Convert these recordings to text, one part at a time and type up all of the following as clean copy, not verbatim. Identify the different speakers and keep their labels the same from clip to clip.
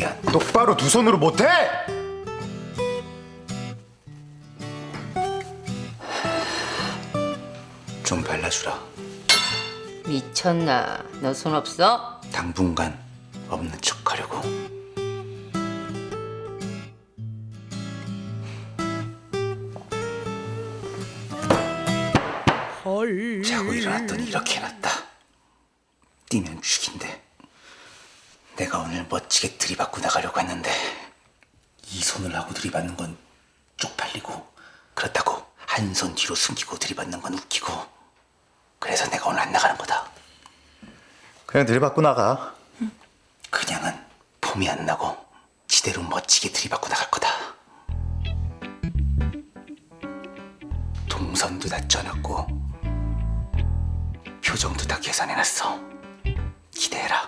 Speaker 1: 미안.
Speaker 2: 똑바로 두 손으로 못해?
Speaker 1: 좀 발라주라.
Speaker 3: 미쳤나? 너 손 없어?
Speaker 1: 당분간 없는 척하려고. 자고 일어났더니 이렇게 해놨다. 뛰면 죽인데. 내가 오늘 멋지게 들이받고 나가려고 했는데 이 손을 하고 들이받는 건 쪽팔리고, 그렇다고 한 손 뒤로 숨기고 들이받는 건 웃기고. 그래서 내가 오늘 안 나가는 거다.
Speaker 2: 그냥 들이받고 나가.
Speaker 1: 그냥은 폼이 안 나고 지대로 멋지게 들이받고 나갈 거다. 동선도 다 짜놨고 표정도 다 계산해놨어. 기대해라.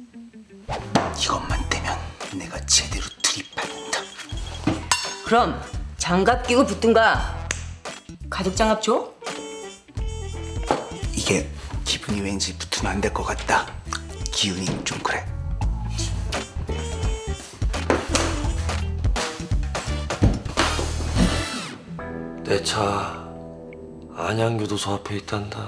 Speaker 1: 이것만 되면 내가 제대로 들이받는다.
Speaker 3: 그럼 장갑 끼고 붙든가. 가죽 장갑 줘?
Speaker 1: 이게 기분이 왠지 붙으면 안 될 것 같다. 기운이 좀 그래.
Speaker 4: 내 차 안양교도소 앞에 있단다.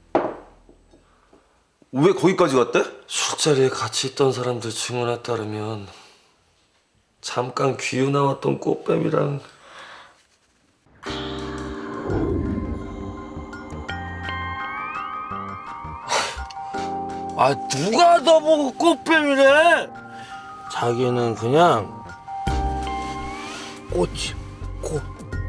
Speaker 5: 왜 거기까지 갔대?
Speaker 4: 술자리에 같이 있던 사람들 증언에 따르면 잠깐 귀유 나왔던 꽃뱀이랑 누가 너보고 꽃뱀이래? 자기는 그냥 꽃이 꽃.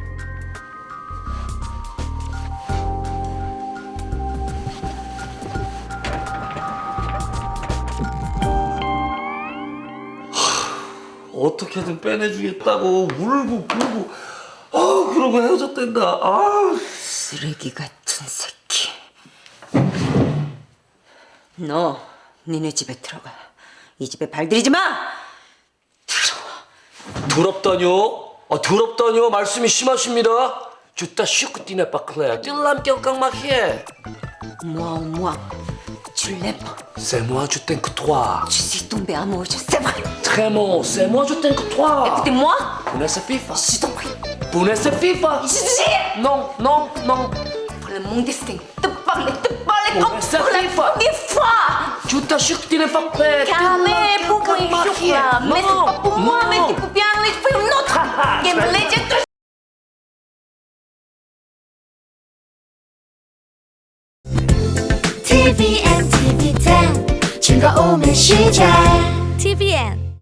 Speaker 4: 어떻게든 빼내주겠다고 울고 불고 그러고 헤어졌댄다.
Speaker 3: 쓰레기 같은 새끼. 너 니네 집에 들어가. 이 집에 발들이지 마.
Speaker 4: 더럽다뇨? 더럽다뇨? 말씀이 심하십니다. 주따 슈크티네 바클레 찔람 껴깡막해.
Speaker 3: moi tu l'aimes.
Speaker 4: C'est moi je t'aime que toi.
Speaker 3: Je suis tombée amoureuse, c'est vrai.
Speaker 4: Très bon, c'est moi je t'aime que toi.
Speaker 3: Écoutez-moi.
Speaker 4: Punesse FIFA.
Speaker 3: Je t'en prie.
Speaker 4: Punesse FIFA.
Speaker 3: Je dis.
Speaker 4: Non, non, non.
Speaker 3: Voilà mon destin. Te parler comme
Speaker 4: Punesse
Speaker 3: pour la
Speaker 4: FIFA.
Speaker 3: première fois.
Speaker 4: 주따 슈크티네 바클레
Speaker 3: Calmez pour moi, chocolat. Mais c'est pas pour moi, mais tu peux bien aller pour une autre. Game Legend.
Speaker 6: TVN, TV10 즐거움의 시작 TVN